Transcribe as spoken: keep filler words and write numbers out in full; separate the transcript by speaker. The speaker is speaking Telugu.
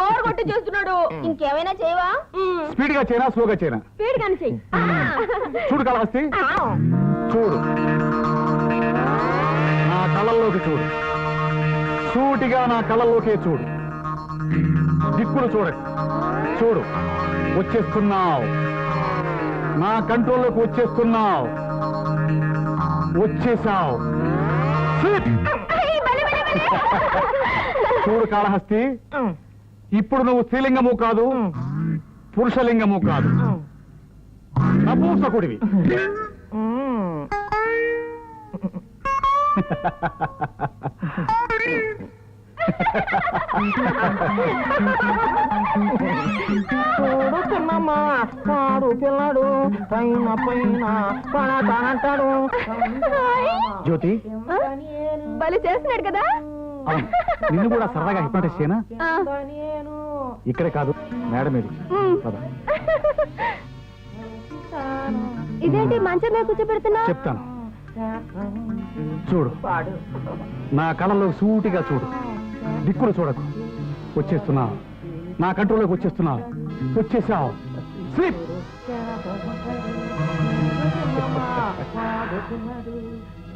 Speaker 1: ఓవర్ కొట్టి చేస్తున్నాడు. ఇంకేమైనా చేయవా?
Speaker 2: స్పీడ్ గా చేయనా స్లోగా చేయనా?
Speaker 1: స్పీడ్ గాని చెయ్యి.
Speaker 2: చూడు కాళహస్తి, చూడు నా కళ్ళల్లోకి చూడు, సూటిగా నా కళ్ళల్లోకే చూడు, దిక్కులు చూడకు. చూడు, వచ్చేస్తున్నావు, నా కంట్రోల్లోకి వచ్చేస్తున్నావు, వచ్చేసావు. చూడు కాళహస్తి, ఇప్పుడు నువ్వు స్త్రీలింగము కాదు, పురుషలింగము కాదు, నపూంసకుడివి.
Speaker 3: చూడు చిన్నమ్మ, వాడు పిల్లడు పైన పైన పడతానంటాడు.
Speaker 2: జ్యోతి,
Speaker 1: బలి చేస్తున్నాడు కదా.
Speaker 2: నిన్ను కూడా సరదాగా హిప్నటైజ్ చేయనా? ఇక్కడే కాదు, మేడం ఇది.
Speaker 1: ఇదేంటి మంచం మీద కూర్చోబెడుతున్నా?
Speaker 2: చెప్తాను, చూడు, నా కళ్ళలో సూటిగా చూడు, దిక్కులు చూడకు. వచ్చేస్తున్నావు, నా కంట్రోల్లోకి వచ్చేస్తున్నావు, వచ్చేసావు. స్లీప్.